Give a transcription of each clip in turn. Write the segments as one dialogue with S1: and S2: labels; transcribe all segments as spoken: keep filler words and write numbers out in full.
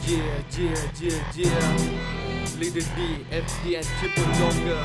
S1: Yeah, yeah, yeah, yeah. Leader D, F D and Triple Longer.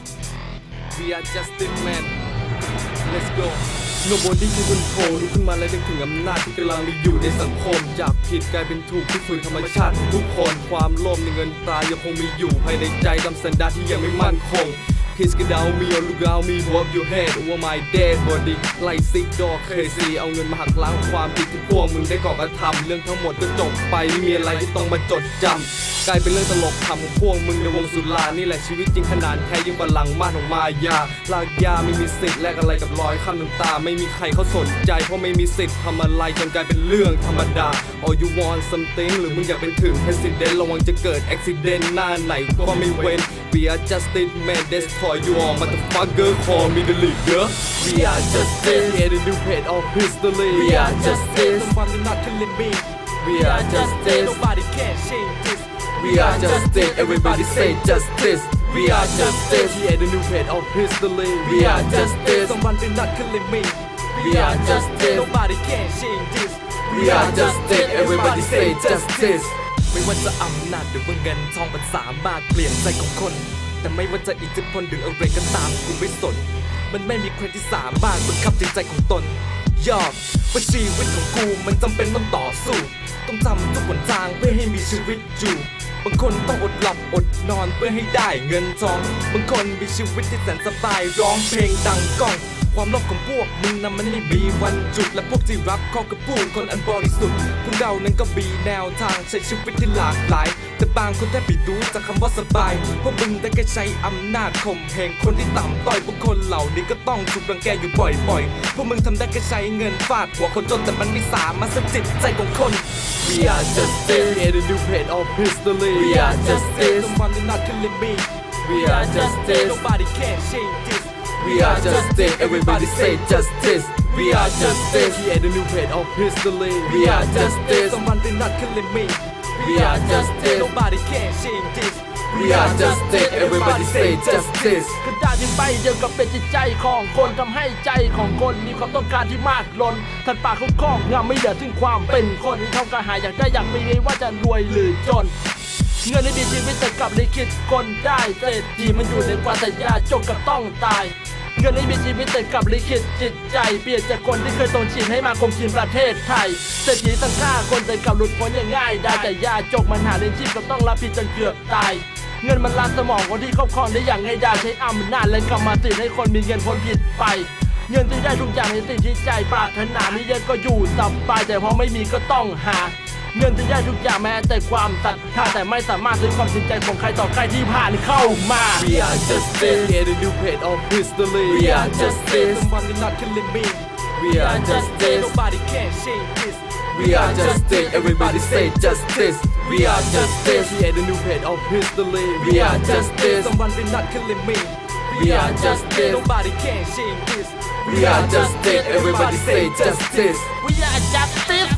S1: We are Justin Man. Let's go. Nobody ที่บนโผล่ลุกขึ้นมาและนึกถึงอำนาจที่กำลังมีอยู่ในสังคมจากผิดกลายเป็นถูกที่ฝืนธรรมชาติของทุกคนความโลภในเงินตรายังคงมีอยู่ภายในใจตามสันดานที่ยังไม่มั่นคงKiss get down me or look out me hold up your head over my dead body ไล่ซิกดอกเคยซีเอาเงินมาหักล้างความผิดที่พวกมึงได้ก่อกระทำเรื่องทั้งหมดก็จบไปไม่มีอะไรที่ต้องมาจดจำกลายเป็นเรื่องตลกคำของพวกมึงในวงสุรานี่แหละชีวิตจริงขนาดแท้ยิ่งบัลลังก์ม่านของมายาลากยาไม่มีสิทธิ์แลกอะไรกับรอยคำน้ำตาไม่มีใครเขาสนใจเพราะไม่มีสิทธิ์ทำอะไรจนกลายเป็นเรื่องธรรมดา All you want something หรือมึงอยากเป็นถึง President ระวังจะเกิด Accident หน้าไหนก็ไม่เว้น We are Justin Man destroy you all motherfucker call me the leader We are Justin yeah the new head of history We are Justin someone not killing me We are Justin nobody can change this We are Justin everybody say justice We are Justin yeah the new head of history We are Justin someone not killing me We are Justin nobody can change this We are Justin everybody say justice ไม่ว่าจะอำนาจหรือว่าเงินทองมันสามารถเปลี่ยนใจของคนแต่ไม่ว่าจะอิทธิพลหรืออะไรก็ตามกูไม่สนมันไม่มีใครที่สามารถบังคับจิตใจของตนยอมว่าชีวิตของกูมันจำเป็นต้องต่อสู้ต้องทำทุกหนทางเพื่อให้มีชีวิตอยู่บางคนต้องอดหลับอดนอนเพื่อให้ได้เงินทองบางคนมีชีวิตที่แสนสบายร้องเพลงดังก้องความโลภของพวกมึงนั้นมันไม่มีวันจุดและพวกที่รับข้อกับผู้คนอันบริสุทธิ์พวกเรานั้นก็มีแนวทางใช้ชีวิตที่หลากหลายแต่บางคนแทบไม่รู้จากคำว่าสบายพวกมึงได้แค่ใช้อำนาจข่มเหงคนที่ต่ำต้อยพวกคนเหล่านี้ก็ต้องถูกรังแกอยู่บ่อยๆพวกมึงทำได้แค่ใช้เงินฟาดหัวคนจนแต่มันไม่สามารถสะจิตใจของคน We are Justin yeah the new head of history We are Justin someone not killing me We are Justin nobody can change this We are Justin everybody say justice We are Justin yeah the new head of history We are Justin someone not killing me We are Justin nobody can change this We are Justin everybody say justice
S2: กระดาษที่ใบเดียวกับเป็นจิตใจของคนทำให้ใจของคนมีความต้องการที่มากล้นทันปากเขาครอบงำไม่เหลือถึงความเป็นคนเขากระหายอยากได้อยากมีไม่ว่าจะรวยหรือจนเงินในดีชีวิตแต่กลับลิขิตคนได้เศรษฐีมันอยู่ในความแต่ยาจงกับต้องตายเงินในมีชีวิตแต่กลับลิขิตจิตใจเปลี่ยนจากคนที่เคยตรงชินให้มาคงชินประเทศไทยเศรษฐีตั้งค่าคนแต่กลับหลุดพ้นอย่างง่ายได้แต่ยาจกมันหาเลี้ยงชีพก็ต้องรับผิดจนเกือบตายเงินมันล้านสมองคนที่ครอบครองได้อย่างง่ายได้ใช้อำนาจและกรรมสิทธิ์ให้คนมีเงินพ้นผิดไปเงินที่ได้ทุกอย่างในสิ่งที่ใจปรารถนามีเยอะก็อยู่สบายแต่พอไม่มีก็ต้องหาเงินที่ได้ทุกอย่างแม้แต่ความศรัทธาแต่ไม่สามารถซื้อความจริงใจของใครต่อใครที่ผ่านเข้ามา
S1: We are Justin yeah the new head of history We are Justin someone not killing me We are Justin nobody can change this We are Justin everybody say justice We are Justin yeah the new head of history We are Justin someone not killing me We are Justin nobody can change this We are Justin everybody say justice
S2: We are Justice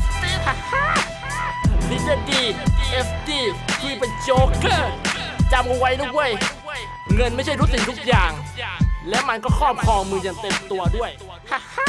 S2: Leader D F D คุยเป็นโจ๊กเกอร์จำเอาไว้นะเว้ยเงินไม่ใช่ทุกสิ่งทุกอย่างและมันก็ครอบครองมืออย่างเต็มตัวด้วยฮ่าฮ่า